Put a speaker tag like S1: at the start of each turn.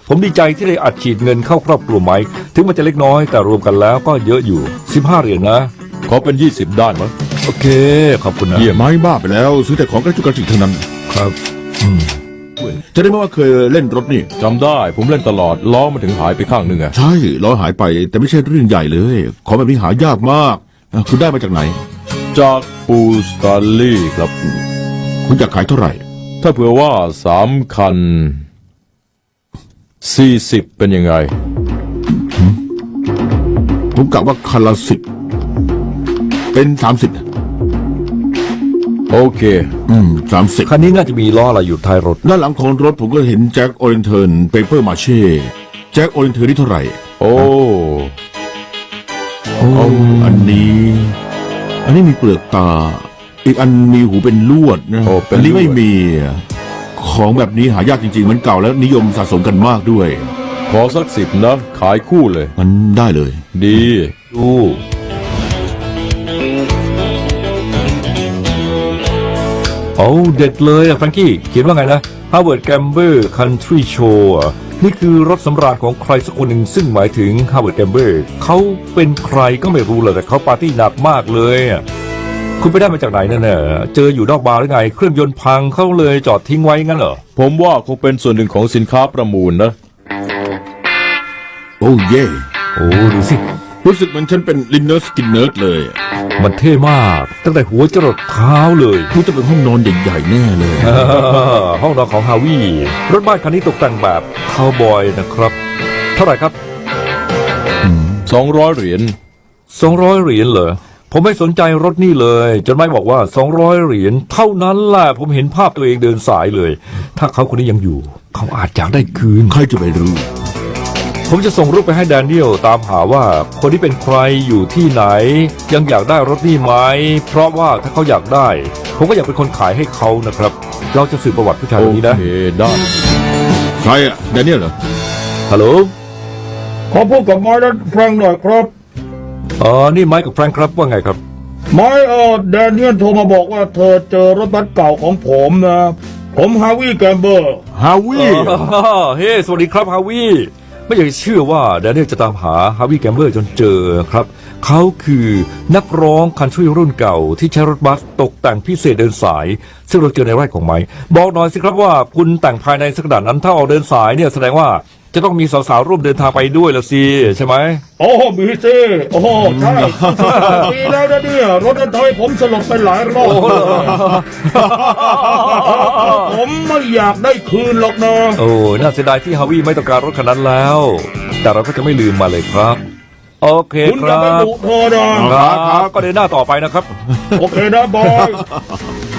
S1: ผมดีใจที่ได้อัดฉีดเงินเข้าครอบครัวไมค์ถึงมันจะเล็กน้อยแต่รวมกันแล้วก็เยอะอยู่15 เหรียญนะ
S2: ขอเป็น20ได้มั้ย
S1: โอเคขอบคุณนะ
S2: เยี่ยม
S3: ไม้บ้าไปแล้วซื้อแต่ของกระจุกกระจิกเท่านั้น
S1: ครับ
S3: จะได้ไม่ว่าเคยเล่นรถนี่
S2: จำได้ผมเล่นตลอดล้อมันถึงหายไปข้างหนึ่งอะ
S3: ใช่ล้อหายไปแต่ไม่ใช่เรื่องใหญ่เลยของแบบนี้หายากมากคุณได้มาจากไหน
S2: จากปูสตาร์ลี่ครับ
S3: คุณอยากขายเท่าไหร่
S2: ถ้าเผื่อว่า3 คัน40เป็นยังไง
S3: ผมกะว่าคันละ10เป็น30
S2: โอเค
S3: 30
S1: คันนี้น่าจะมีล้ออะไรอยู่ท้ายรถ
S3: ด้านหลังของรถผมก็เห็นแจ็คโอเรนเทิร์นเปเปอร์มาเช่แจ็คโอเรนเทิร์นนี่เท่าไหร่
S2: โอ้
S3: อันนี้มีเปลือกตา อีกอันมีหูเป็นลวดนะ
S2: โอ้เป็น
S3: อันนี้
S2: ลวด
S3: ไม่มี ของแบบนี้หายากจริงๆมันเก่าแล้วนิยมสะสมกันมากด้วย
S2: ขอสัก10นะขายคู่เลย
S3: มันได้เลย
S2: ดี
S1: ดูโอ้เด็ดเลยอะแฟรงกี้เขียนว่าไงนะ Harvard Gamber Country Show อะนี่คือรถสำราญของใครสักคนหนึ่งซึ่งหมายถึง Harvard Gamber เขาเป็นใครก็ไม่รู้เลยแต่เขาปาร์ตี้หนักมากเลยอะคุณไปได้มาจากไหนนั่นน่ะเจออยู่นอกบาร์หรือไง เครื่องยนต์พังเขาเลยจอดทิ้งไว้งั้นเหรอ
S2: ผมว่าคงเป็นส่วนหนึ่งของสินค้าประมูลนะ
S3: โอ้เย่
S1: โอ้ดูสิ
S3: รู้สึกเหมือนฉันเป็นลินเนอร์สกินเนิร์ดเลย
S1: มันเท่มากตั้งแต่หัวจรดเท้าเลย
S3: นี่จะเป็นห้องนอนใหญ่ๆแน่เลย
S1: ห้องนอนของฮาวิรถบ้านคันนี้ตกแต่งแบบคาวบอยนะครับ เท่าไหร่ครับ
S2: 200 เหรียญ
S1: 200 เหรียญเหรอ ผมไม่สนใจรถนี่เลย จนไม่บอกว่า 200 เหรียญเท่านั้นแหละผมเห็นภาพตัวเองเดินสายเลย ถ้าเขาคนนี้ยังอยู่ เขาอาจอยากได้คืน
S3: ใครจะไปรู้
S1: ผมจะส่งรูปไปให้แดเนียลตามหาว่าคนที่เป็นใครอยู่ที่ไหน ยังอยากได้รถนี่ไหมเพราะว่าถ้าเขาอยากได้ ผมก็อยากเป็นคนขายให้เขานะครับ เราจะสืบประวัติผู้ชาย
S2: โอ
S1: คนนี้นะ
S2: เคได้
S3: ใครอะแดเนียลเหรอ
S1: ฮัลโหล
S4: ขอพูดกับไม้และแฟรงค์หน่อยครับ
S1: นี่ไมค์กับแฟรงค์ครับว่าไงครับ
S4: ไม้แดเนียลโทรมาบอกว่าเธอเจอรถบัสเก่าของผมนะ ผมฮาวิแกมเบอร์
S3: ฮาวิ
S1: เฮ้สวัสดีครับฮาวิไม่อยากจะเชื่อว่าแดเนียลจะตามหาฮาวิแกมเบอร์จนเจอครับ เขาคือนักร้องคันทรีรุ่นเก่าที่ใช้รถบัสตกแต่งพิเศษเดินสาย ซึ่งเราเจอในไร่ของไม้บอกหน่อยสิครับว่าคุณแต่งภายในสักขนาดนั้นถ้าออกเดินสายเนี่ยแสดงว่าจะต้องมีสาวๆร่วมเดินทางไปด้วยละสิใช่ไหม
S4: โอ้มีสิโอ้ใช่ดีแล้วนะเนี่ยรถนั้นทำให้ผมสลบไปหลายรอบผมไม่อยากได้คืนหรอกนะ
S1: โอ้น่าเสียดายที่ฮาวิไม่ต้องการรถคันนั้นแล้ว แต่เราก็จะไม่ลืมมาเลยครับ โอเค
S4: คุณ
S1: ค
S4: จะ
S1: รั
S4: ไม่
S1: บ
S4: ดุเธอนะครับ
S1: ก็เดินหน้าต่อไปนะครับ
S4: โอเคนะบอย